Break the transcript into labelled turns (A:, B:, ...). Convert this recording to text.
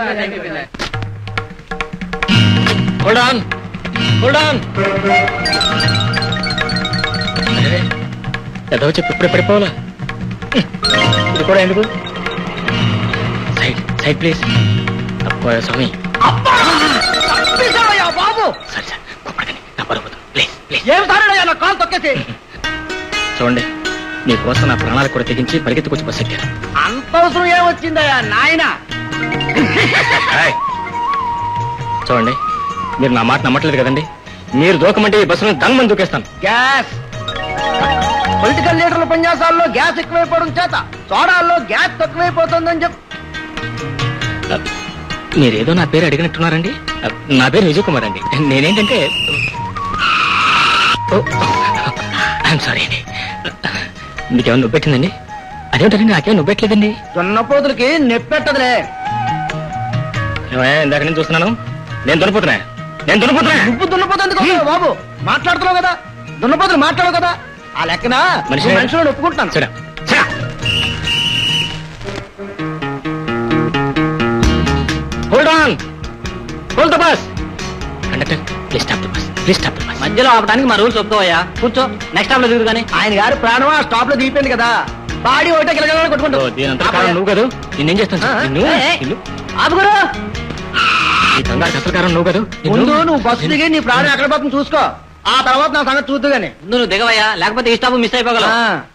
A: Hold on, hold on. ఏదో చెప్పి ఇప్పుడే పడిపోవాలా? ఇది కూడా ఎందుకు? Side side please. అబ్బా స్వామి,
B: బాబు
A: సరే సార్, కొప్పటికని నా పరుగుతుంది. Please please.
B: ఏం సారయ్యా నా కాలు తొక్కేసి.
A: చూడండి, మీకోసం నా ప్రాణాలు కూడా తెగించి పరిగెత్తుకొచ్చి బస్ ఎక్కాను.
B: అంత అవసరం ఏమొచ్చిందయ్యా నాయన?
A: చూడండి, మీరు నా మాట నమ్మట్లేదు కదండి. మీరు దూకమంటే ఈ బస్సును దన్మని దూకేస్తాను.
B: గ్యాస్ పొలిటికల్ లీడర్ల ఉపన్యాసాల్లో గ్యాస్ ఎక్కువైపోవడం చేత సోడాల్లో గ్యాస్ తక్కువైపోతుందని చెప్పి.
A: మీరేదో నా పేరు అడిగినట్టున్నారండి. నా పేరు విజయ్ కుమార్ అండి. నేనేంటంటే ఐఎమ్ సారీ అండి. మీకేమన్నా నొప్పెట్టిందండి? అదేమిటండి, నాకేమో నొప్పెట్టలేదండి.
B: దున్నపోతులకి నెప్పెట్టదులే.
A: ఇందాక నేను చూస్తున్నాను. నేను దున్నపోతున్నా.
B: నువ్వు దున్నపోతుంది బాబు. మాట్లాడుతున్నావు కదా, దున్నపోతులు మాట్లాడవు కదా. ఆ లెక్కన మనుషులను ఒప్పుకుంటున్నాను.
A: సరే hold on, hold the bus. Conductor please stop the bus, please stop the bus.
B: మధ్యలో ఆపడానికి మా రూల్స్ ఒప్పుకోవయ్యా. కూర్చో, నెక్స్ట్ స్టాప్ లో దిగుదు కానీ. ఆయన గారు ప్రాణం ఆ స్టాప్ లో దిగిపోయింది కదా. బాడీ ఒకటే గిలగలని కొట్టుకుంటావు.
A: దీనంతా కారణం నువ్వు కదా. నిన్నేం చేస్తాను?
B: ఆపుగురు.
A: ఈ కంగారు అసలు కారణం నువ్వు కదా.
B: ముందు నువ్వు బస్సు దిగి నీ ప్రాణం ఎక్కడ పోతుంది చూసుకో. ఆ తర్వాత నా సంగతి చూద్దు గానీ.
C: నువ్వు దిగవయ్యా, లేకపోతే ఈ స్టాప్ మిస్ అయిపోగలవు.